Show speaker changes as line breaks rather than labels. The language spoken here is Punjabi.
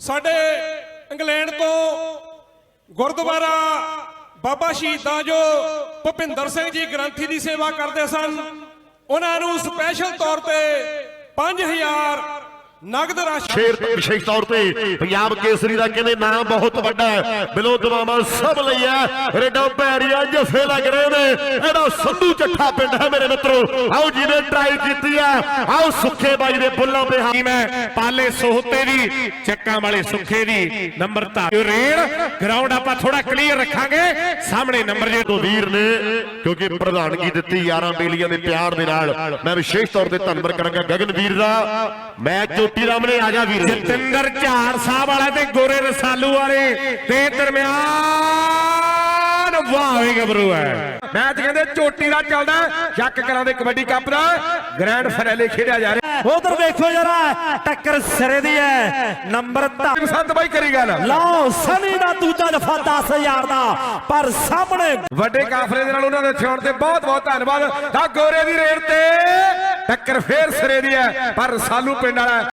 ਸਾਡੇ ਇੰਗਲੈਂਡ ਤੋਂ ਗੁਰਦੁਆਰਾ ਬਾਬਾ ਸ਼ਹੀਦਾਂ ਜੋ ਭੁਪਿੰਦਰ ਸਿੰਘ ਜੀ ਗ੍ਰੰਥੀ ਦੀ ਸੇਵਾ ਕਰਦੇ ਸਨ, ਉਹਨਾਂ ਨੂੰ ਸਪੈਸ਼ਲ ਤੌਰ ਤੇ 5000 ਨਗਦ ਰਾਸ਼ੀ
ਸ਼ੇਰ ਵਿਸ਼ੇਸ਼ ਤੌਰ ਤੇ ਪੰਜਾਬ ਕੇਸਰੀ ਦਾ ਕਹਿੰਦੇ ਨਾਮ ਬਹੁਤ ਵੱਡਾ ਹੈ, ਬਿਲੋ ਦਵਾਵਾਂ ਸਭ ਲਈ ਹੈ। ਰੇਡਾ ਪੈਰੀਆ ਜਫੇ ਲੱਗ ਰਹੇ ਨੇ, ਇਹਦਾ ਸੰਧੂ ਚੱਠਾ ਪਿੰਡ ਹੈ ਮੇਰੇ ਮਿੱਤਰੋ। ਆਓ ਜਿਹਨੇ ਟਰਾਈ ਕੀਤੀ ਹੈ, ਆਓ ਸੁੱਖੇ ਬਾਈ ਦੇ ਬੁੱਲਾਂ ਤੇ
ਟੀਮ ਹੈ ਪਾਲੇ ਸੋਹਤੇ ਦੀ, ਚੱਕਾਂ ਵਾਲੇ ਸੁੱਖੇ ਦੀ ਨੰਬਰ ਧਾਰ ਰੇਡ ਗਰਾਊਂਡ ਆਪਾਂ ਥੋੜਾ ਕਲੀਅਰ ਰੱਖਾਂਗੇ। ਸਾਹਮਣੇ ਨੰਬਰ ਜੇ
ਤੋਂ ਵੀਰ ਨੇ ਕਿਉਂਕਿ ਪ੍ਰਧਾਨਗੀ ਦਿੱਤੀ 11 ਬੇਲੀਆਂ ਦੇ ਪਿਆਰ ਦੇ ਨਾਲ, ਮੈਂ ਵਿਸ਼ੇਸ਼ ਤੌਰ ਤੇ ਧੰਨਵਾਦ ਕਰਾਂਗਾ ਗਗਨ ਵੀਰ ਦਾ। ਮੈਂ ਚੋਟੀ ਰਾਮਣੇ ਆ ਜਾ ਵੀਰ।
ਜਤਿੰਦਰ ਝਾੜ ਸਾਹਿਬ ਵਾਲਾ ਤੇ ਗੋਰੇ ਰਸਾਲੂ ਵਾਲੇ ਤੇ ਦਰਮਿਆਨ ਵਾਹ ਵੇ ਗੱਭਰੂ ਹੈ।
ਮੈਚ ਕਹਿੰਦੇ ਚੋਟੀ ਦਾ ਚੱਲਦਾ, ਸ਼ੱਕ ਕਰਾਂ ਦੇ ਕਬੱਡੀ ਕੱਪ ਦਾ ਗ੍ਰੈਂਡ ਫਾਈਨਲ ਖੇਡਿਆ ਜਾ ਰਿਹਾ।
ਉਧਰ ਦੇਖੋ ਜਰਾ ਟੱਕਰ ਸਿਰੇ ਦੀ ਹੈ, ਨੰਬਰ
ਸੰਤ ਬਾਈ ਕਰੀ ਗੱਲ
ਲਓ ਸਨੀ ਦਾ ਦੂਜਾ ਦਫਾ 10000 ਦਾ, ਪਰ ਸਾਹਮਣੇ
ਵੱਡੇ ਕਾਫਲੇ ਦੇ ਨਾਲ ਉਹਨਾਂ ਦੇ ਛੋਣ ਤੇ ਬਹੁਤ ਬਹੁਤ ਧੰਨਵਾਦ। ਤਾਂ ਗੋਰੇ ਦੀ ਰੇਡ ਤੇ ਟੱਕਰ ਫੇਰ ਸਿਰੇ ਦੀ ਹੈ, ਪਰ ਰਸਾਲੂ ਪਿੰਡ ਵਾਲਾ